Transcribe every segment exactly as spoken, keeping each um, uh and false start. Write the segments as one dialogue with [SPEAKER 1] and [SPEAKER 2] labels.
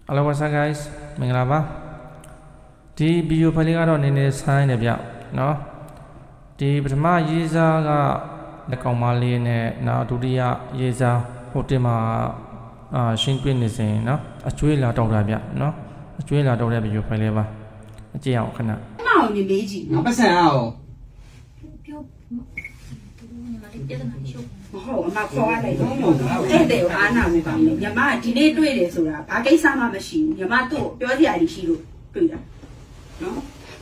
[SPEAKER 1] Hello what's up guys မင်္ဂလာပါဒီဗီဒီယိုဖိုင်လေးကတော့နည်းနည်းဆိုင်းနေဗျเนาะဒီပထမရေးစားကလက်ကောင်မလေးနဲ့နောက်ဒုတိယရေးစားဟိုတင်မှာအာရှင်းပြနေစဉ်เนาะအကျွေးလာတောက်တာဗျเนาะအကျွေးလာတောက်တဲ့ဗီဒီယိုဖိုင်လေးပါအကြည့်အောင်ခဏ
[SPEAKER 2] မအောင်နေလေးကြီး
[SPEAKER 3] ငါပတ်စံအောင်
[SPEAKER 2] ပြောမဟုတ်အမခေါ်ရတယ်တဲ့တဲ့အားနာမှုပါလေညီမဒီနေ့တွေ့တယ်ဆိုတာဘာကိစ္စမှမရှိဘူးညီမတို့ပြောစရာကြီးရှိလို့တွေ့တာနော်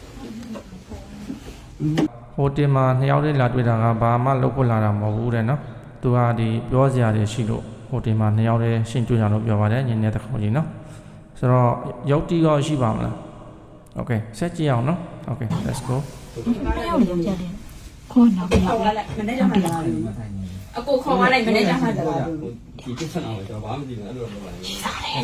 [SPEAKER 1] ဟိုတင်မှာနှစ်ယောက်လေးလာတွေ့တာကဘာမှလုပ်ဖို့လာတာမဟုတ်ဘူးတဲ့เนาะသူကဒီပြောစရာတွေရှိလို့ဟိုတင်မှာနှစ်ယောက်လေးရှင်းတွေ့ကြလို့ပြောပါတယ်ညနေတစ်ခေါက်ကြီးเนาะဆိုတော့ရုပ်တီးရောရှိပါမလားโอเคဆက်ကြည့်အောင်เนาะโอเค let's go
[SPEAKER 2] ခေါ်တော့ခေါ်လိုက်မနေ့ကမှလာတယ်အကိုခေါ်သွားလိုက်မနေ့ကမှလာတယ်
[SPEAKER 3] ဒီကိစ္စအောင်ကျွန်တော်ဘာမှမသိဘူးအဲ့လိုလုပ်ပါလေ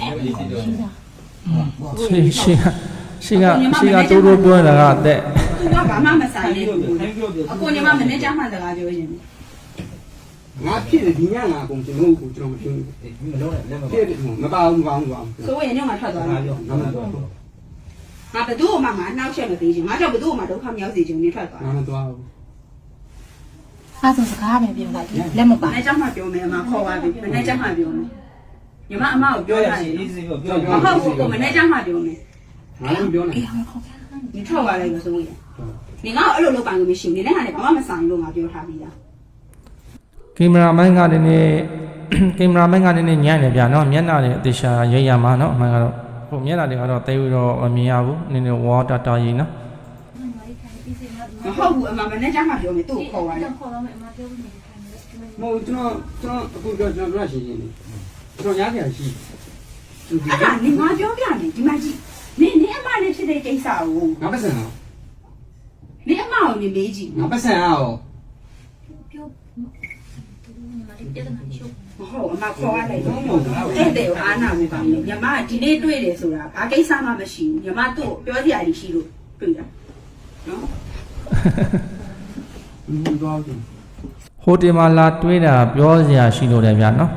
[SPEAKER 1] ရှိရှိရှိကရှိကတိုးတိုးပြောနေတာကအသက်
[SPEAKER 2] သူကဘာမှမဆိုင်ဘူးအကိုညီမမနေ့ကမှစကားပြောရင်
[SPEAKER 3] ငါဖြစ်တယ်ဒီညငါအကုန်ကျွန်တော်ကိုကျွန်တော်မဖြစ်ဘူးမလုပ်နဲ့လက်မဖြစ်တယ်မပါဘူးမပါဘူးမပါဘူး
[SPEAKER 2] ဆိုရင်ညငါထွက်သွားတယ်ငါမသွားဘူးငါဘသူ့မှမနှောက်ချက်မပေးချင်ငါကြောင့်ဘသူ့မှဒုက္ခမရောက်စေချင်နေထွက်သွား
[SPEAKER 3] ငါမသွားဘူး
[SPEAKER 4] အဲ့ဒါစကားပဲပြောလိုက်လက်မပါ
[SPEAKER 2] မနေ့ကမှပြောမယ်အမခေါ်ပါပြီမနေ့ကမှပြောမယ်ညီမအမကိုပြောရတယ်အေးစေးပြောပြောမဟုတ်ဘူးကိုမနေ့ကမှပြောမယ်
[SPEAKER 3] ငါလည်းပြောနေ
[SPEAKER 2] ဒီထွက်သွားလိုက်လို့ဆိုရင်ဒီငါ့အဲ့လိုလုပ်ပိုင်လို့မရှိဘူးနေနဲ့ဟာလည်းဘာမှမဆိုင်လို့ငါပြောထားပြီးသား
[SPEAKER 1] ကင်မရာမန်ကလည်းနည်းကင်မရာမန်ကလည်းညံ့နေဗျာနော်မျက်နှာတွေအသေးရှာရိပ်ရမှာနော်အမှန်ကတော့ဟိုမျက်နှာတွေကတော့တိတ်ပြီးတော့မမြင်ရဘူးနည်းနည်းဝါတာတာကြီးနော်
[SPEAKER 2] မဟုတ်ဘူးအမမနေ့ကမှပြောမယ်သူ့ကိုခေါ်သွားတယ်
[SPEAKER 4] ခေါ်တော့မယ်အမပြောနေတယ်
[SPEAKER 3] မဟုတ်ကျွန်တော်ကျွန်တော်အခုပြောကျွန်တော်ပြောရှင်းရှင်းလေးကျွန်တော်ရားပြန်ရှိ
[SPEAKER 2] အဲ့ဒါနေငါပြောပြမယ်ဒီမှာကြည့်နေနေအမနဲ့ဖြစ်တဲ့ကိစ္စကို
[SPEAKER 3] ငါပတ်စံအောင်
[SPEAKER 2] နေအမကိုနေလေးကြည့်
[SPEAKER 3] ငါပတ်စံအောင်
[SPEAKER 4] ပြောညီမလေးပြဿနာချုပ်
[SPEAKER 2] မဟုတ်အမခေါ်ရတယ်တဲ့တဲ့အားနာမှုပါလေညီမဒီနေ့တွေ့တယ်ဆိုတာဘာကိစ္စမှမရှိဘူးညီမတို့ပြောစရာကြီးရှိလို့တွေ့တာနော်
[SPEAKER 3] ဘူးတော့ဘူး
[SPEAKER 1] ဟိုတင်မှာလာတွေးတာပြောစရာရှိလို့တယ်ဗျာနော်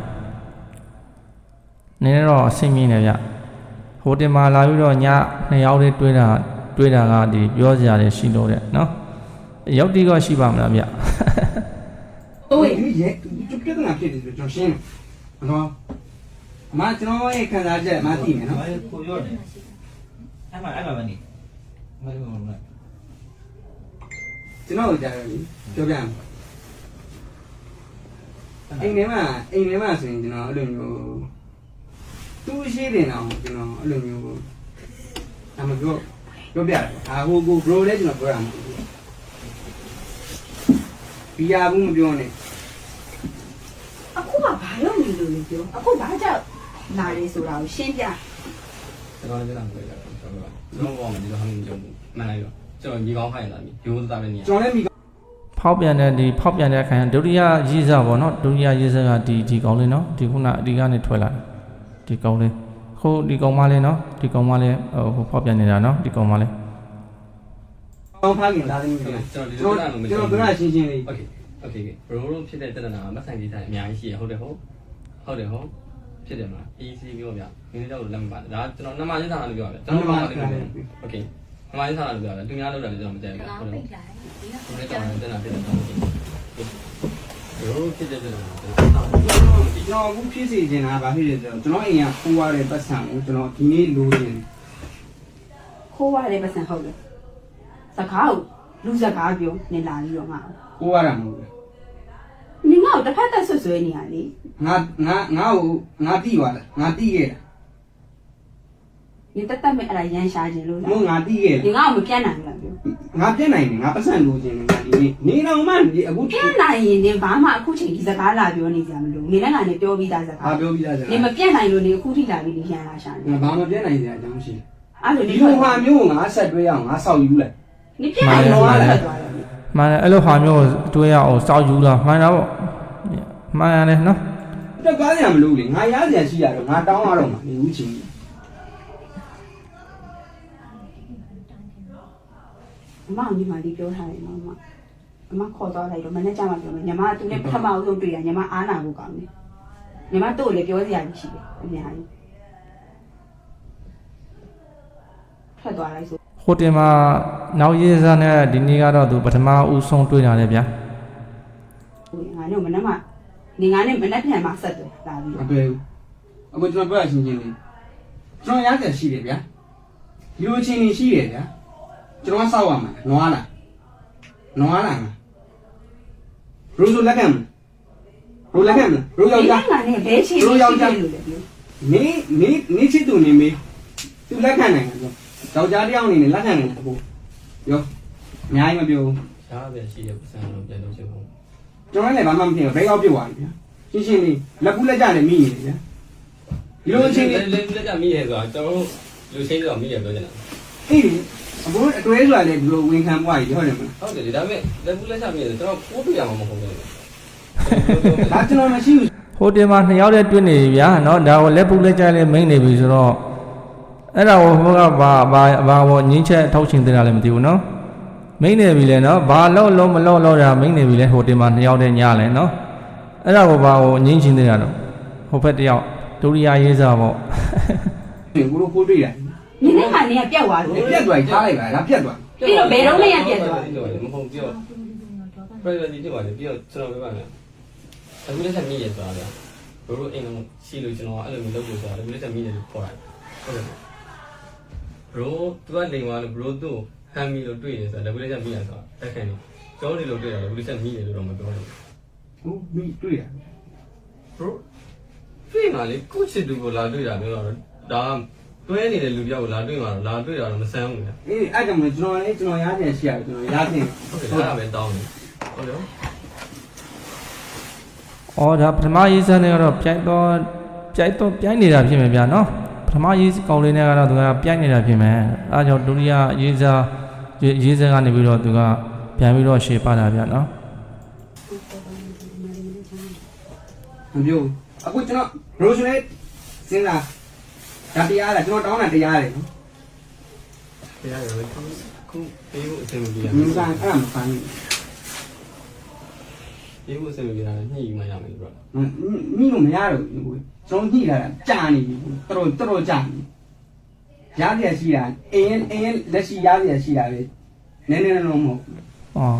[SPEAKER 1] နည်းနည်းတော့အဆင်ပြေနေဗျဟိုတင်မှာလာပြီးတော့ညနှစ်ယောက်လေးတွေးတာတွေးတာကဒီပြောစရာတွေရှိလို့တဲ့နော်ရုပ်တီးကရှိပါမလားဗျ
[SPEAKER 3] ဟုတ်ရဲ့ဒီပြဿနာဖြစ်တယ်ဆိုကျွန်တော်ရှင်းတယ်နော်အမကျွန်တော်ရဲ့ခံစားချက်အမသိမယ်နော်
[SPEAKER 5] ကိုပြောတယ်အဲ့မှာအဲ့မှာမနေမလို့မလို့
[SPEAKER 3] ကျွန်တော်ကြားရတယ်ပြောပြမယ်အိမ်ထဲမှာအိမ်ထဲမှာဆိုရင်ကျွန်တော်အဲ့လိုမျိုးသူ့ရှိတယ်နော်ကျွန်တော်အဲ့လိုမျိုးအမပြောပြောပြတယ်အာဟိုကို bro လည်းကျွန်တော်ပြောရမှာဘီယာဘူးမပြောနဲ့
[SPEAKER 2] အခုကဘာလို့နေလို့လဲပြောအခုဘာကြောင့်လာရဲဆိုတာကိုရှင်းပြ
[SPEAKER 5] ကျွန်တော်လည်းပြောတာကျွန်တော်ကျွန်တော်ဘောမှာဒီလိုဟန်ကြုံမှန်လိုက်တော့ကျွန်တော်ညီကောင်းခိုင်းလာပြီရိုးသားပဲနေ
[SPEAKER 3] ကျွန်တော်လည်းမိ
[SPEAKER 1] ဖောက်ပြန်တဲ့ဒီဖောက်ပြန်တဲ့ခိုင်ဒုတိယရေးစားပေါ့နော်ဒုတိယရေးစားကဒီဒီကောင်းလေးနော်ဒီခုနအဒီကနေထွက်လာတယ်ဒီကောင်းလေးခုဒီကောင်းမလေးနော်ဒီကောင်းမလေးဟိုဖောက်ပြန်နေတာနော်ဒီကောင်းမလေး
[SPEAKER 3] ကောင်းဖားခင်လာတယ်ကျွန်တော်ကျွန်တော်ကျွန်တော်ပြောရရှင်းရှင်းလေး
[SPEAKER 5] โอเคโอเคဘရိုးဖြစ်တဲ့တဏ္ဍာမဆိုင်ကြီးတိုင်းအများကြီးရှိရဟုတ်တယ်ဟုတ်ဟုတ်တယ်ဟုတ်ဖြစ်တယ်မလား easy ပြောဗျမင်းတို့လက်မပါတယ်ဒါကျွန်တော်နမချင်းထားတာလို့ပြောရတယ်ကျွန်တော်နမချင်းထားတယ်โอเคနမချင်းထားတာလို့ပြောရတယ်သူများလောက်တာလည်းကျွန်တော်မကြိုက်ဘူးဟုတ်တယ်ဒီကောင်တဏ္ဍာဖြစ်တယ်တော့ဘရိုးဖြစ်တဲ့တဏ္ဍာ
[SPEAKER 3] ကျွန်တော်အခုဖြစ်စီနေတာဗာဖြစ်တယ်ဆိုတော့ကျွန်တော်အိမ်ကခိုးရတဲ့ပတ်စံကိုကျွန်တော်ဒီနေ့လိုချင်
[SPEAKER 2] ခိုးရတဲ့ပတ်စံဟုတ်တယ်စကားကိုလူစကားပြောနေလာပြီးတော့ငါ
[SPEAKER 3] ခိုးရတာမဟုတ်ဘူး
[SPEAKER 2] နေငါ့ကိုတစ်ဖက်သက်ဆွဆွဲနေရလေ
[SPEAKER 3] ငါငါငါ့ကိုငါတိသွားလားငါတိခဲ့တာ
[SPEAKER 2] 你တက်တက်မဲ့အဲ့ဒါရန်ရှာခြင်းလို့
[SPEAKER 3] လားမဟုတ်ငါတိခဲ့
[SPEAKER 2] တယ်ငါ့ကိုမပြတ်နိုင်ဘူးလားပြော
[SPEAKER 3] ငါပြတ်နိုင်တယ်ငါပတ်စံလိုချင်တယ်ငါဒီနေ့နေတော့မှအခု
[SPEAKER 2] ပြတ်နိုင်ရင်နေဘာမှအခုချိန်ဒီစကားလာပြောနေကြမလို့နေလည်းငါနေပြောပြီးသားစကား
[SPEAKER 3] ဟာပြောပြီးသားစကား
[SPEAKER 2] နေမပြတ်နိုင်လို့နေအခုထိလာပြီးနေရန်လာရှာနေ
[SPEAKER 3] ငါဘာမပြတ်နိုင်စရာအကြောင်းရှိ
[SPEAKER 2] အဲ့လို
[SPEAKER 3] ဒီလိုဟာမျိုးငါဆက်တွဲအောင်ငါစောက်ယူလိုက်
[SPEAKER 2] နေပြတ်နိုင်တော့ထွက်သွားတယ်
[SPEAKER 1] မှန်တယ်အဲ့လိုဟာမျိုးတွေးရအောင်စောက်ယူလာမှန်တာပေါ့မှန်ရတယ်နော်
[SPEAKER 3] တက်ကားရမလို့လေငါရစရာရှိရတော့ငါတောင်းရတော့မှာနေဦးချင်း
[SPEAKER 2] အမညီမလေးပြောထားတယ်နော်အမအမခေါ်သွားလိုက်တော့မနေ့ကမှပြောမယ်ညီမကသူနဲ့ပထမအဆုံးတွေ့တာညီမအားနာဖို့ကောင်းတယ်ညီမတို့လည်းပြောစရာရှိတယ်အများကြီးထွက်သွားလိုက်ဆို
[SPEAKER 1] ဟိုတင်မှာနောက်ရေးစားနဲ့ဒီနေ့ကတော့သူပထမဦးဆုံးတွေ့တာလေဗျာ
[SPEAKER 2] ငါတို့မနေ့ကနေငါနဲ့မနေ့ပြန်မှဆက်တယ်လာပြီး
[SPEAKER 3] မတွေ့ဘူးအခုကျွန်တော်ပြောရချင်းချင်းလေးကျွန်တော်ရတယ်ရှိတယ်ဗျာဒီလိုချင်းနေရှိတယ်ဗျာကျွန်တော်ဆောက်ရမှာနွားလားနွားလားရိုးဆိုလက်ခံမရိုးလက်ခံမရိုးယောက်ျား
[SPEAKER 2] ငါနဲ့ဘဲချင်းလို့လည်းပြော
[SPEAKER 3] နေနေနေချစ်သူနေမေးသူလက်ခံနိုင်တယ်ယောက်ျားတစ်ယောက်အနေနဲ့လက်ခံနိုင်တယ်အခုရောအများကြီးမပြောဘူး
[SPEAKER 5] ရှားပဲရှိတဲ့ပစံတော့ပြန်လို့ချင်ဘူး
[SPEAKER 3] ကျွန်တော်လည်းဘာမှမဖြစ်ဘူးဘဲရောက်ပြုတ်သွားပြီဗျာရှင်းရှင်းလေးလက်ကူးလက်ကြနဲ့မိနေတယ်ဗျာဒီလိုအချင်းလေး
[SPEAKER 5] လက်လက်ကြမိရဲဆိုတာကျွန်တော်လူချင်းတော့မိရဲပြောချင်တာ
[SPEAKER 3] အေးအခုအတွဲဆိုတာလည်းဒီလိုဝင်ခံပွားကြီးဟုတ်တယ်မလား
[SPEAKER 5] ဟုတ်တယ်ဒါပေမဲ့လက်ကူးလက်ကြမိရဲကျွန်တော်ပိုးပြရမှာမဟုတ်ဘူး
[SPEAKER 3] ဒါကျွန်တော်မရှိဘူး
[SPEAKER 1] ဟိုတင်မှာနှစ်ယောက်တည်းတွေ့နေပြီဗျာနော်ဒါကိုလက်ပူလက်ကြလဲမိန်နေပြီဆိုတော့အဲ့ဒါကိုဟိုကဘာဘာဘာဘောငင်းချက်ထောက်ချင်တဲ့တာလည်းမသိဘူးနော်မိန်နေပြီလေနော်ဘာလို့လုံးမလို့လို့တာမိန်နေပြီလေဟိုတင်မှာနှစ်ယောက်တည်းညလဲနော်အဲ့ဒါကိုဘာကိုငင်းချင်တဲ့တာတော့ဟိုဘက်တယောက်ဒုတိယရေးစားပေါ့
[SPEAKER 3] ဒီကိုလိုကိုတွေ့ရတယ်
[SPEAKER 2] နင်းနဲ့ခါနေကပြတ်သွားတယ်
[SPEAKER 3] ပြတ်သွားထားလိုက်ပါလားပြတ်သွား
[SPEAKER 2] ပြီးတော့ဘယ်တော့မှရပြတ်သွား
[SPEAKER 5] မဟုတ်ပြော privacy ဖြစ်ပါတယ်ပြီးတော့ကျွန်တော်ပြောပါမယ်အခုလက်ချက်မိရဲဆိုတာဗျာဘိုးတို့အိမ်လုံးရှိလို့ကျွန်တော်အဲ့လိုမျိုးလုပ်လို့ဆိုတာအခုလက်ချက်မိတယ်လို့ခေါ်တယ်ဟုတ်တယ် bro သူကနေသွားလို့ bro တို့ဟမ်းမီလို့တွေ့တယ်ဆိုတာအခုလက်ချက်မိရဆိုတာတက်ခံနေကျွန်တော်ဒီလိုတွေ့တာလည်းအခုလက်ချက်မိတယ်လို့တော့မပြောဘူး
[SPEAKER 3] ဟုတ်ပြီတွေ့ရ
[SPEAKER 5] bro တွေ့မှလေကိုချစ်သူကိုလာတွေ့တာမျိုးတော့ဒါတွဲနေတဲ့လူပြောက်ကိုလာတွေ့မှတော့လာတွေ့တာတော့မဆန်းဘူးလေ
[SPEAKER 3] အေးအဲ့ကြောင့်မကျွန်တော်လည်းကျွန်တော်ရားပြန်ရှိရတယ်ကျွန်တော်ရားပြန်
[SPEAKER 5] ဟုတ်တယ်ဒါပဲတောင်းတယ်ဟုတ်တယ်
[SPEAKER 1] အော်ဒါပထမရေးစားနဲ့ကတော့ပြိုက်တော့ပြိုက်တော့ပြိုက်နေတာဖြစ်မယ်ဗျာနော်ပထမရေးကောင်လေးနဲ့ကတော့သူကပြိုက်နေတာဖြစ်မယ်အဲကြောင့်ဒုတိယရေးစားရေးစားကနေပြီးတော့သူကပြန်ပြီးတော့ရှေ့ပါတာဗျာနော်
[SPEAKER 3] မပြောအခုကျွန်တော် bro ဆိုလည်းစဉ်းစားဒါတရားလားကျွန်တော်တောင်းတာတရားလေနော်
[SPEAKER 5] တရားရယ်ခုပေးဖို့အဆင်မပြေ
[SPEAKER 3] မင်းကအဲ့ဒါမဖမ်းဘူး
[SPEAKER 5] ပေးဖို့အဆင်မပြေတာညှိမှရမယ်ဘရော
[SPEAKER 3] မိလို့မရတော့ဘူးကျွန်တော်ညှိလာတာကြာနေပြီတော်တော်တော်ကြာနေရားရရှိတာအင်းအင်းလက်ရှိရားရရှိတာလေနည်းနည်းလုံးမဟုတ်
[SPEAKER 1] အော်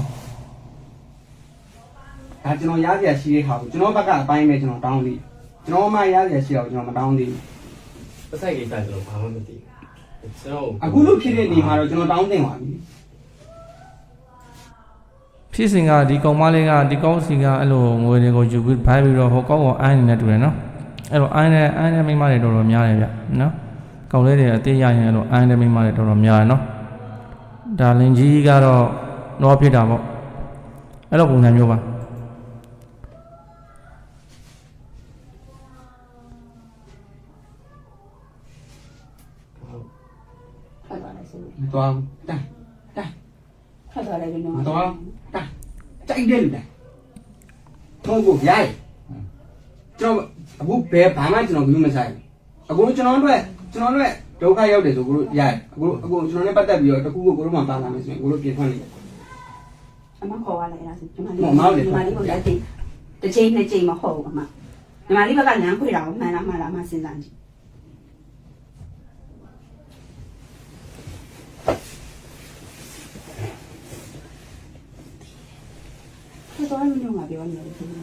[SPEAKER 3] ဒါကျွန်တော်ရားရရှိတဲ့ဟာကိုကျွန်တော်ဘက်ကအပိုင်းပဲကျွန်တော်တောင်းသေးကျွန်တော်မှရားရရှိအောင်ကျွန်တော်မတောင်းသေး
[SPEAKER 5] ပစိုက်ကိစ္စကျွန်တော်ဘာမှမသိဘူးကျွန်တော်
[SPEAKER 3] အခုလို့ဖြစ်တဲ့နေမှာတော့ကျွန်တော်တောင်းတင်ပါပြီ
[SPEAKER 1] ဖြစ်စဉ်ကဒီကောင်မလေးကဒီကောင်းစီကအဲ့လိုငွေတွေကိုယူပြီးဘိုင်းပြီးတော့ဟိုကောင်းကိုအိုင်းနေနေတူတယ်နော်အဲ့လိုအိုင်းနေအိုင်းနေမိမတွေတော်တော်များတယ်ဗျနော်ကောင်လေးတွေအသေးရရင်အဲ့လိုအိုင်းနေမိမတွေတော်တော်များတယ်နော်ဒါလင်ကြီးကတော့တော့ဖြစ်တာပေါ့အဲ့လိုပုံစံမျိုးပါ
[SPEAKER 2] ထွက်သွားလိုက်ဆို
[SPEAKER 3] မတော်တိုင်းတိုင်း
[SPEAKER 2] ထွက်သွားလိုက်ပြီးတော့
[SPEAKER 3] မတော်တိုင်းကြိုက်တယ်လူတိုင်းထုံးကိုရိုက်ကျွန်တော်အခုဘယ်ဘာမှကျွန်တော်ဘူးမဆိုင်အခုကျွန်တော်တို့ကျွန်တော်တို့ဒုက္ခရောက်တယ်ဆိုကိုတို့ရိုက်အခုအခုကျွန်တော်နဲ့ပတ်သက်ပြီးတော့တခုခုကိုတို့မှပါလာမယ်ဆိုရင်ကိုတို့ပြင်ထွက်နေတယ်
[SPEAKER 2] အမခေါ်ရလိုက်လားဆိုညီမလေးညီမလေးကိုလက်တိတစ်ချိန်နှစ်ချိန်မဟုတ်ဘူးအမညီမလေးဘက်ကလမ်းခွေတာကိုမှန်လားမှန်လားမှစဉ်းစားကြည့်တော်တော်များများပြောနေတယ်ခင်ဗျာ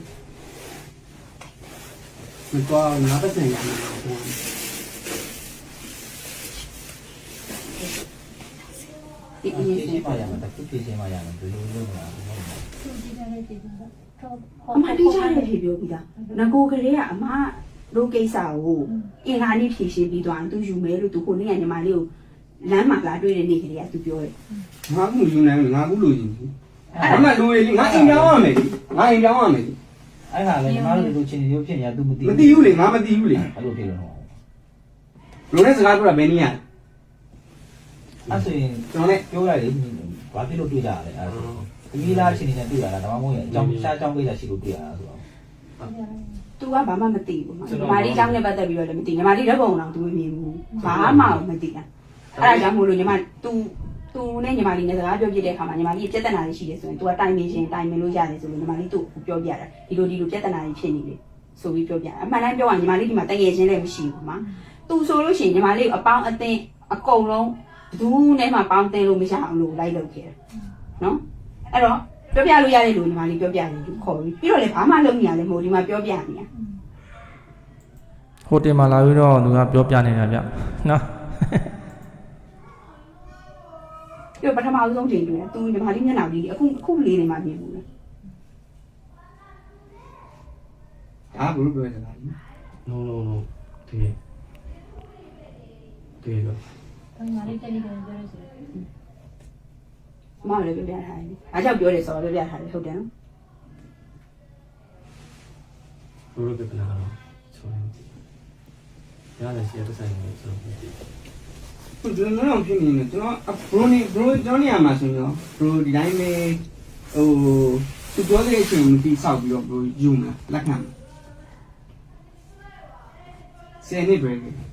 [SPEAKER 3] မတော်ငါပတ်စံရမှာပေါ့
[SPEAKER 2] ဒီအရင်
[SPEAKER 6] ဖြည့်ပါရမယ်တခုဖြည့်ချင်းပါရမယ်ဘယ်လိုလုပ်မှာလဲ
[SPEAKER 4] သူဒီကလေးဒီကတော့
[SPEAKER 2] အမတိကျတယ်ဖြေပြောပြီးသားငကိုကလေးကအမတို့ကိစ္စကိုအင်္ဂါနေ့ဖြေရှင်းပြီးသွားရင်သူယူမယ်လို့သူခုနေ့ကညီမလေးကိုလမ်းမှာလာတွေ့တဲ့နေ့ကလေးကသူပြောတယ်
[SPEAKER 3] ငါကူယူနိုင်ငါကူလူကြီးအဲ့မှာလူတွေငါအိမ်ပြောင်းရမယ်ငါအိမ်ပြောင်းရမယ်
[SPEAKER 6] အဲ့ဟာလေညီမတို့လိုချင်းရုပ်ဖြစ်နေတာ तू မသိ
[SPEAKER 3] မသိဘူးလေငါမသိဘူးလေ
[SPEAKER 6] အဲ့လိုဖြစ်လို့တော့
[SPEAKER 3] လူနဲ့စကားပြောတာဘယ်နည်းရ
[SPEAKER 6] အဲ့ဆိုရင်
[SPEAKER 3] ကျွန်တော်လည်း
[SPEAKER 6] ပြောလိုက်လေဘာဖြစ်လို့တွေ့ကြရလဲအဲ့ဒါသမီးလားချင်းနေနဲ့တွေ့ရတာဒါမှမဟုတ်ရင်အကြောင်းရှားအကြောင်းကိစ္စရှိလို့တွေ့ရတာဆိုတော့
[SPEAKER 2] သူကဘာမှမသိဘူးညီမလေးအကြောင်းနဲ့ပတ်သက်ပြီးတော့လည်းမသိညီမလေးဓာတ်ပုံတော့သူမမြင်ဘူးဘာမှမသိတာအဲ့ဒါကြောင့်မို့လို့ညီမ तू तू နဲ့ညီမလေးနဲ့စကားပြောပြတဲ့အခါမှာညီမလေးပြဿနာတွေရှိတယ်ဆိုရင် तू ကတိုင်ပင်ရှင်တိုင်ပင်လို့ရတယ်ဆိုလို့ညီမလေးသူ့ကိုပြောပြတာဒီလိုဒီလိုပြဿနာတွေဖြစ်နေလေဆိုပြီးပြောပြအမှန်တမ်းပြောရင်ညီမလေးဒီမှာတကယ်ချင်းလည်းမရှိဘူးမှာ तू ဆိုလို့ရှိရင်ညီမလေးကိုအပေါင်းအသင်းအကုန်လုံးသူနဲ့မှပေါင်းတင်လို့မရအောင်လို့လိုက်လုပ်ခဲ့တယ်နော်အဲ့တော့ပြောပြလို့ရတဲ့လူညီမလေးပြောပြတယ်သူခေါ်ပြီးပြီးတော့လည်းဘာမှလုပ်နေရလဲမဟုတ်ဒီမှာပြောပြနေတာ
[SPEAKER 1] ဟိုတယ်မှာလာပြီးတော့သူကပြောပြနေတာဗျနော်
[SPEAKER 2] ပြီးတော့ပထမဆုံးချိန်တွေ့တယ်သူညီမလေးမျက်နှာလေးအခုအခုလေးနေမှမြင်ဘူးလေ
[SPEAKER 3] ဒါဘလို့ပြောရတာလဲ
[SPEAKER 5] no no no တကယ်တကယ်တော့
[SPEAKER 4] ဘာမှလည်းတက်နေတယ်ပြောရစီ
[SPEAKER 2] မမလည်းပြောပြထားတယ်အားကြောင့်ပြောတယ်ဆိုတော့ပြောပြထားတယ်ဟုတ်တယ်နော်
[SPEAKER 5] ဘလို့ပြပနာတော့ဆိုရင်ရတယ်စီရတဲ့ဆိုင်ကိုဆိုတော့
[SPEAKER 3] သူကျွန်တော်တို့ဖြစ်နေတယ်ကျွန်တော်ဘရိုနီဘရိုကျွန်တော်နေရာမှာဆိုရင်ဘရိုဒီတိုင်းပဲဟိုသူပြောတဲ့အချိန်မပြီးဆောက်ပြီးတော့ဘရိုယူမှာလက်ခံဆယ်နှစ်ပဲ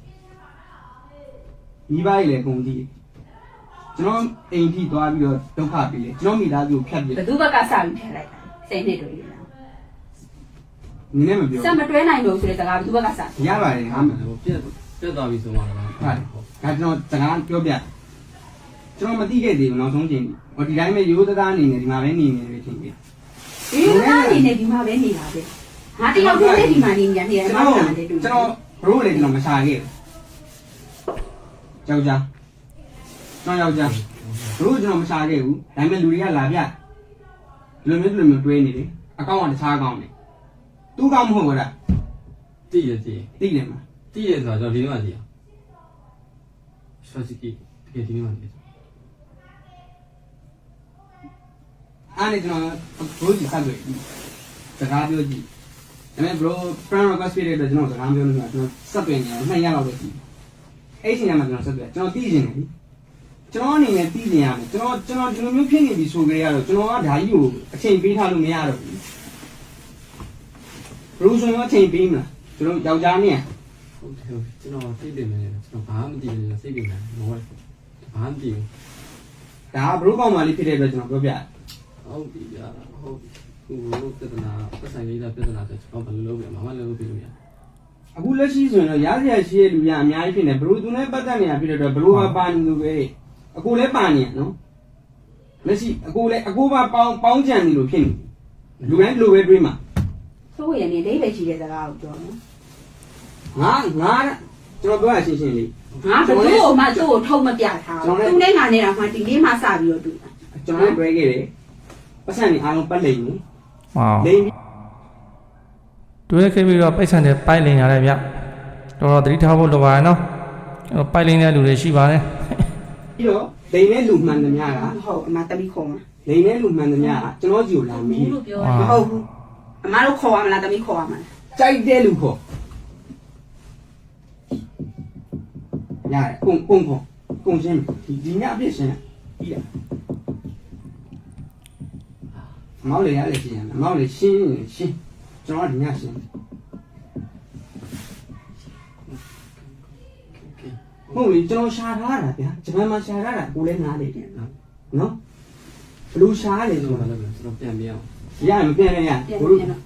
[SPEAKER 3] ညီပါလေကုန်ကြီးကျွန်တော်အိမ်ထိသွားပြီးတော့ဒုက္ခပြီးလေကျွန်တော်မိသားစုကိုဖြတ်ပြ
[SPEAKER 2] ဘသူဘက်ကစပြီးထည့်လိုက်တာဆယ်နှစ်တွေ့တယ်
[SPEAKER 3] နင်းနဲ့မပြော
[SPEAKER 2] စက်မတွဲနိုင်လို့ဆိုတဲ့စကားဘသူဘက်ကစ
[SPEAKER 3] ရပါတယ်ဟာ
[SPEAKER 5] ဟိုပြက်ပြက်သွားပြီဆိုမှလည်း
[SPEAKER 3] ဟုတ်ဒါကျွန်တော်စကားပြောပြကျွန်တော်မသိခဲ့သေးဘူးနောက်ဆုံးချိန်ဟိုဒီတိုင်းပဲရိုးသားအနေနဲ့ဒီမှာပဲနေနေတယ်ချင်းပြီ
[SPEAKER 2] ဒီလိုကနေနေဒီမှာပဲနေတာပဲငါတယောက်တည်းဒီမှာနေနေတယ်
[SPEAKER 3] ကျွန်
[SPEAKER 2] မ
[SPEAKER 3] တော်
[SPEAKER 2] ဟုတ်တာလေတူ
[SPEAKER 3] ကျွန်တော်ဘရိုလည်းကျွန်တော်မရှာခဲ့ဘူးယောက်ျားကျွန်တော်ယောက်ျားဘရိုကျွန်တော်မရှာခဲ့ဘူးဒါပေမဲ့လူတွေကလာပြဒီလိုမျိုးဒီလိုမျိုးတွဲနေတယ်အကောင့်ကတခြားအကောင့်နေသူ့ကောင့်မဟုတ်ဘူးလား
[SPEAKER 5] တည်ရတည်
[SPEAKER 3] သိတယ်မလား
[SPEAKER 5] တည်ရဆိုတော့ဒီနေ့မှတည်ရဆောစီကီတကယ်ဒီနေ့မှတည်
[SPEAKER 3] အားနေကျွန်တော်ဘရိုကြီးဆက်တွေ့စကားပြောကြည့်ဒါပေမဲ့ bro friend request ပေးတဲ့အတွက်ကျွန်တော်စကားပြောလို့ကျွန်တော်ဆက်တွေ့နေတယ်နှစ်ရက်လောက်ပဲရှိအဲ့ချိန်မှာကျွန်တော်ဆက်တွေ့ကျွန်တော်သိနေတယ်ကျွန်တော်အနေနဲ့သိနေရမယ်ကျွန်တော်ကျွန်တော်ဒီလိုမျိုးဖြစ်နေပြီဆိုကြရတော့ကျွန်တော်ကဓာကြီးကိုအချိန်ပေးထားလို့မရတော့ဘူး bro ဆိုရင်အချိန်ပေးမလားကျွန်တော်ယောက်ျားနဲ့
[SPEAKER 5] ဟုတ်တယ်ကျွန်တော်သိတယ်မယ်ကျွန်တော်ဘာမှမသိဘူးစိတ်ပြင်တယ်မဟုတ်ဘာမှမသိဘူး
[SPEAKER 3] ဒါက bro ကောင်းမှလေးဖြစ်တဲ့အတွက်ကျွန်တော်ပြောပြ
[SPEAKER 5] ဟုတ်ပြီဗျာဟုတ်ဟိုလိုပြဿနာပတ်ဆိုင်လေးတာပြဿနာဆိုကျွန်တော်ဘယ်လိုလုပ်ပြမမလည်းလုပ်ပြလို့ရ
[SPEAKER 3] အခုလက်ရှိဆိုရင်တော့ရားစရာရှိတဲ့လူများအများကြီးဖြစ်နေ bro သူနဲ့ပတ်သက်နေတာဖြစ်တဲ့အတွက် bro ကပါနေလို့ပဲအကိုလည်းပါနေရနော်လက်ရှိအကိုလည်းအကိုပါပေါင်းပေါင်းကြံနေလို့ဖြစ်နေလူတိုင်းလူပဲတွေးမှာ
[SPEAKER 2] ဆိုရင်နေလေးပဲရှိတဲ့စကားကိုပြောနော်
[SPEAKER 3] ငါငါကျွန်တော်ပြောရရှင်းရှင်းလေး
[SPEAKER 2] ငါဘသူ့ကိုမှသူ့ကိုထုံမပြထားဘူးသူနဲ့ငါနဲ့တော့မှဒီနေ့မှစပြီးတော့တွေ့တာ
[SPEAKER 3] ကျွန်တော်လည်းတွဲခဲ့တယ်ပတ်စံနေအားလုံးပတ်လိမ့်နေ
[SPEAKER 1] ဟော
[SPEAKER 3] လိမ့်ပြီး
[SPEAKER 1] တွေးခဲ့ပြီးတော့ပိုက်ဆံတွေပိုက်လင်ရတယ်ဗျတော်တော်သတိထားဖို့လိုပါရဲ့နော်အဲ့တော့ပိုက်လင်တဲ့လူတွေရှိပါတယ်
[SPEAKER 3] ပြီးတော့လိမ့်တဲ့လူမှန်သမျှက
[SPEAKER 2] ဟုတ်အမတမီခေါ်မှာ
[SPEAKER 3] လိမ့်တဲ့လူမှန်သမျှကကျွန်တော်ကြီးကိုလာမီး
[SPEAKER 4] လို့ပြော
[SPEAKER 2] မဟုတ်ဘူးအမတို့ခေါ်ရမလားတမီခေါ်ရမလား
[SPEAKER 3] ကြိုက်တဲ့လူခေါ်ရတယ်ကုန်ကုန်ခေါ်ကုန်ရှင်းဒီဒီညအပြည့်ရှင်းပြီးတယ်မောင်လေးရလေရှင်းရမောင်လေးရှင်းရှင်းကျွန်တော်ဒီညရှင်းဟုတ်လေကျွန်တော်ရှာထားတာဗျာဂျပန်မှာရှာထားတာကိုလည်းနားလေတယ်နော်ဘလူရှားလေ
[SPEAKER 5] ကျွန်
[SPEAKER 3] ဆို
[SPEAKER 5] တော်
[SPEAKER 3] တော့
[SPEAKER 5] လည်းကျွန်တော်ပြန်ပြအောင်
[SPEAKER 3] ရမပြန်ရရ
[SPEAKER 2] ပြန်
[SPEAKER 3] ဘလူ
[SPEAKER 2] ပြန်တော့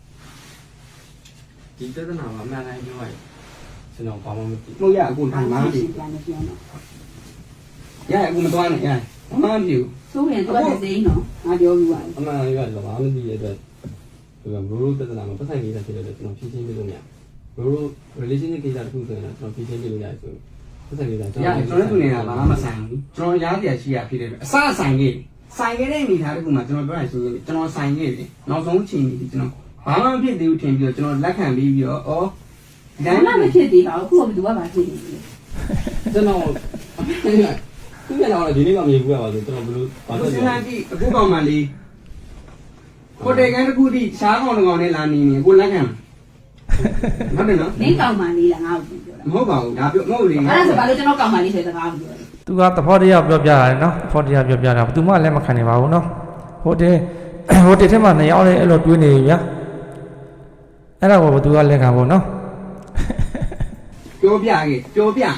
[SPEAKER 5] ဒီပြဿနာမှာအမှန်တိုင်းပြောရရင်ကျွန်တော်ဘာမှမသိ
[SPEAKER 3] မဟုတ်ရအခု
[SPEAKER 2] ဘာ
[SPEAKER 3] ထိုင်
[SPEAKER 2] မှ
[SPEAKER 3] မှာ
[SPEAKER 2] မ
[SPEAKER 3] ပြီ
[SPEAKER 2] ပြန်နေပြန်တော့
[SPEAKER 3] ရအခုမသွားနဲ့ရဘာမှမဖြစ်ဘူး
[SPEAKER 2] ဆိုရင်သူကလည်းစိမ့်တော့ငါပြောပြီးပါ
[SPEAKER 5] အမှန်တိုင်းပြောရတော့ဘာမှမသိတဲ့အတွက်ဒီကဘရိုးပြဿနာမှာပတ်ဆိုင်လေးတာဖြစ်တဲ့အတွက်ကျွန်တော်ဖြည့်ချင်းပြလို့မရဘရိုး relationship ကိစ္စတစ်ခုဆိုရင်ကျွန်တော်ဖြည့်ချင်းပြလို့ရတယ်ဆိုပတ်ဆိုင်လေးတာကျွန်
[SPEAKER 3] ရ
[SPEAKER 5] တော်
[SPEAKER 3] ကျွန်တော်တို့နေတာဘာမှမဆိုင်ဘူးကျွန်တော်ရားစရာရှိရဖြစ်တယ်အစဆိုင်ခဲ့ဆိုင်ခဲ့တဲ့အနေထားတစ်ခုမှာကျွန်တော်ပြောရရှင်းရှင်းကျွန်တော်ဆိုင်ခဲ့ပြီနောက်ဆုံးချိန်ကြီးကျွန်တော်ဘာမှမဖြစ်သေးဘူးထင်ပြီးတော့ကျွန်တော်လက်ခံပြီးပြီးတော့ဩဒီ
[SPEAKER 2] ဘာ
[SPEAKER 3] တိုင်း
[SPEAKER 2] မှမဖြစ်သေးပါဘူးခုကဘယ်သူကမှဖြစ်နေတယ်
[SPEAKER 5] ကျွန်တော်သူ့ကတော့ဒီနေ့မှမြင်ဘူးရပါဆိုကျွန်တော်ဘလို့ဘာ
[SPEAKER 3] အခု
[SPEAKER 5] လို့
[SPEAKER 3] စဉ်း
[SPEAKER 5] လဲ
[SPEAKER 3] စားကြည့်အခုကောင်မှလေးဟိုတယ်ကန်တစ်ခုထိရှားကောင်တစ်ကောင်နဲ့လာနေနေကိုလက်ခံဟုတ်တယ်နော်
[SPEAKER 2] မင်းကောင်မလေးလားငါ့ကိုပြောတာ
[SPEAKER 3] မဟုတ်ပါဘူးဒါပြောမဟုတ်လေ
[SPEAKER 2] အဲ့ဒါဆိုဘာလို့ကျွန်တော်ကောင်မလေးဆိုတဲ့စကားကိုပြောလဲ
[SPEAKER 1] သူကသဘောတရားပြောပြရတယ်နော်သဘောတရားပြောပြတာဘယ်သူမှလည်းမခံနိုင်ပါဘူးနော်ဟိုတယ်ဟိုတယ်ထဲမှာနှစ်ယောက်လေးအဲ့လိုတွေးနေပြီဗျာအဲ့ဒါကိုဘယ်သူကလက်ခံဖို့နော်
[SPEAKER 3] ပြောပြခဲ့ပြောပြ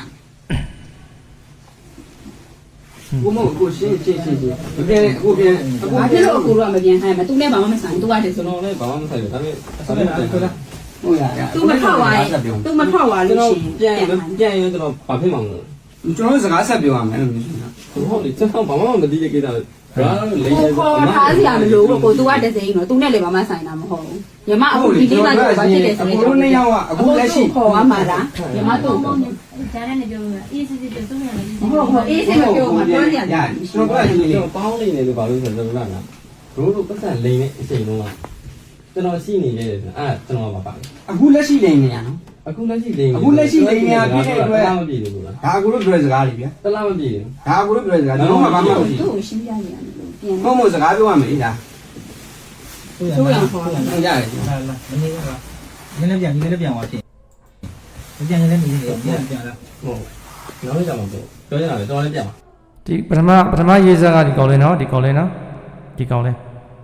[SPEAKER 3] ကိုမကိုရှင်းရှင်းရှင်းရှင်းမပြန်အခုပြန်အခု
[SPEAKER 2] ဘာဖြစ်လို့အကူတော့မပြန်ခိုင်းမသူနဲ့ဘာမှမဆိုင်သူကတည်း
[SPEAKER 5] ကျွန်
[SPEAKER 2] ဆို
[SPEAKER 5] တော်လည်းဘာမှမဆိုင်ဘူးဒါပေမဲ့
[SPEAKER 3] ဟုတ်လားဟုတ်လားဟုတ်ရ
[SPEAKER 2] သူမထွက်သွားရင်သူမထွက်သွား
[SPEAKER 5] ကျွန်
[SPEAKER 2] လို့
[SPEAKER 5] တော်
[SPEAKER 2] ရှိ
[SPEAKER 5] ပြန်
[SPEAKER 2] ရင်
[SPEAKER 5] ပြန်ရင်ကျွန်တော်ဘာဖြစ်မှာမလဲ
[SPEAKER 3] ကျွန်တော်စကားဆက်ပြောရမယ်လို့မျိုးရှင်နော်
[SPEAKER 5] ဟုတ်လေကျွန်တော်ဘာမှမသိတဲ့ကိစ္စဘာလို့လိမ့်
[SPEAKER 2] ကို
[SPEAKER 5] နေ
[SPEAKER 2] ခေါ်ထားစရာမလိုဘူးကို तू ကတစိမ့်တော့ तू နဲ့လည်းဘာမှဆိုင်တာမဟုတ်ဘူးညီမအခုဒီကိစ္စကိုဘာဖြစ်လဲဆို
[SPEAKER 3] အခုနှစ်ယောက်ကအခုလက်ရှိ
[SPEAKER 2] ခေါ်ရမှာလားညီမတို့
[SPEAKER 4] မောင်နဲ့ဂျာနဲ့လည်းပြောလို့အေးစစ်စစ်ပြောဆုံးရတယ်
[SPEAKER 2] ဟုတ်ဟုတ်အေးစိတ်မပြောမှပြောကြရတယ်
[SPEAKER 3] ကျွန်တော်ကရှင်လေး
[SPEAKER 5] ကျွန်တော်ပေါင်းနေတယ်လို့ဘာလို့ဆိုတော့ကျွန်တော်ကဘရိုးတို့ပတ်စံလိမ့်နေအချိန်လုံးကကျွန်တော်ရှိနေတယ်ဆိုအဲ့ကျွန်တော်ကပါပါ
[SPEAKER 3] အခုလက်ရှိလိမ့်နေရနော်
[SPEAKER 5] အခုလက်ရှိလိမ့်
[SPEAKER 3] အခုလက်ရှိလိမ့်နေရပြည့်တဲ့အတွက်
[SPEAKER 5] မပြည့်ဘူးလား
[SPEAKER 3] ဒါအခုလို့ပြောစကားလေးဗျာ
[SPEAKER 5] တလားမပြည့်ဘူး
[SPEAKER 3] ဒါအခုလို့ပြောစကားကျွန်တော်ကဘာမှမဟုတ်
[SPEAKER 2] သူ့
[SPEAKER 3] ဘူး
[SPEAKER 2] ကိုရှင်းပြနေရတယ်လို့ပြန်
[SPEAKER 3] မဟုတ်မဟုတ်စကားပြောရမယ်ဒါ
[SPEAKER 6] ဆိုရအောင်ခေါ်လာ
[SPEAKER 3] ဟုတ်ရတယ်
[SPEAKER 6] လာလာမနေကနည်းနည်းပြန်နည်းနည်းပြန်သွားဖြစ်ပြန်နည်းနည်းမြည်နေပြန်ပြန်လာ
[SPEAKER 5] ဟုတ်နောက်လည်းကြမှာပေါ့ပြောရတာလေတော်လည်းပြပါ
[SPEAKER 1] ဒီပထမပထမရေးစားကဒီကောင်လေးနော်ဒီကောင်လေးနော်ဒီကောင်လေး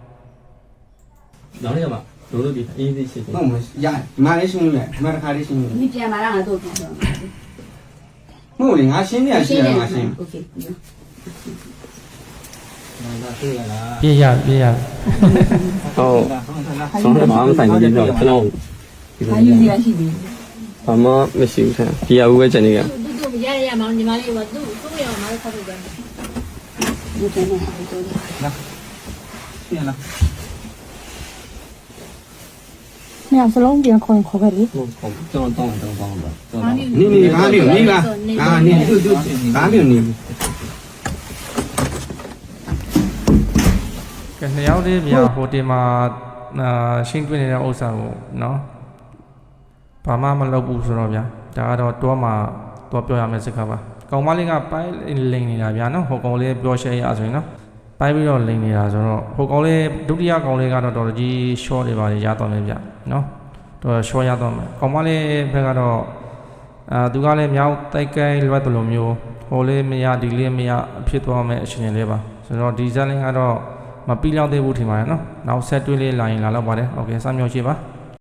[SPEAKER 5] နောက်လည်းကြမှာတို့တို့ဒီအေးသေးရှိတယ်
[SPEAKER 3] ဟုတ်မယ်ရတယ်ဒီမှာလေးရှင်းလို့ရတယ်ဒီမှာတစ်ခါလေးရှင်းလို့
[SPEAKER 2] ဒီပြန်လာတာငါတို့ပြန်တော့
[SPEAKER 3] မဟုတ်လေငါရှင်းနေရရှင်းရငါရှင်း
[SPEAKER 2] โอเค
[SPEAKER 6] လာတွေ့ရလား
[SPEAKER 1] ပြေးရပြေးရ
[SPEAKER 5] ဟုတ်
[SPEAKER 6] လာဟုတ်လား
[SPEAKER 5] ဆောင်းတယ်ဘာမှဆိုင်နေတော့ကျွန်တော်
[SPEAKER 2] ဘာယူစီရရှိသေး
[SPEAKER 5] ဘာမှမရှိဘူးထဲဒီအဝဲချင်နေက
[SPEAKER 4] သူတို့မရရရမောင်ညီမလေးကသူ့သူ့ရအောင်မခေါ်လို့ပြန်
[SPEAKER 2] ဘူးဒီပြန်နေတော့
[SPEAKER 6] ပြန်လာ
[SPEAKER 7] 没有，是龙边可以可以的。
[SPEAKER 5] ဟုတ်ဟုတ်ကျွန်တော်တောင်းတယ်တောင်းပါကျွန်တော်
[SPEAKER 3] နေနေကားနေနေလားအာနေသူသူကားနေနေ
[SPEAKER 1] ကဲနှစ်ယောက်လေးပြဟိုတင်မှာအာရှင်းပြနေတဲ့ဥစ္စာကိုနော်ဘာမှမလုပ်ဘူးဆိုတော့ဗျာဒါကတော့တွားမှာတွားပြောရမယ့်စကားပါကောင်မလေးကပိုင်းလိန်နေတာဗျာနော်ဟိုကောင်လေးပြောရှဲရဆိုရင်နော်ပိုင်းပြီးတော့လိန်နေတာဆိုတော့ဟိုကောင်လေးဒုတိယကောင်လေးကတော့တော်တော်ကြီး short တွေပါရတော့မယ်ဗျာနော်တော် short ရတော့မယ်ကောင်မလေးဘက်ကတော့အာသူကလည်းမြောက်တိုက်ကိုင်းလွတ်တယ်လို့မျိုးဟိုလေးမရဒီလေးမရဖြစ်သွားမယ်အရှင်လေးပါဆိုတော့ဒီဇက်လင်းကတော့မပြီးလောက်သေးဘူးထင်ပါတယ်နော်နောက်ဆက်တွဲလေးလာရင်လာတော့ပါတယ်โอเคစမ်းမြောက်ရှိပါ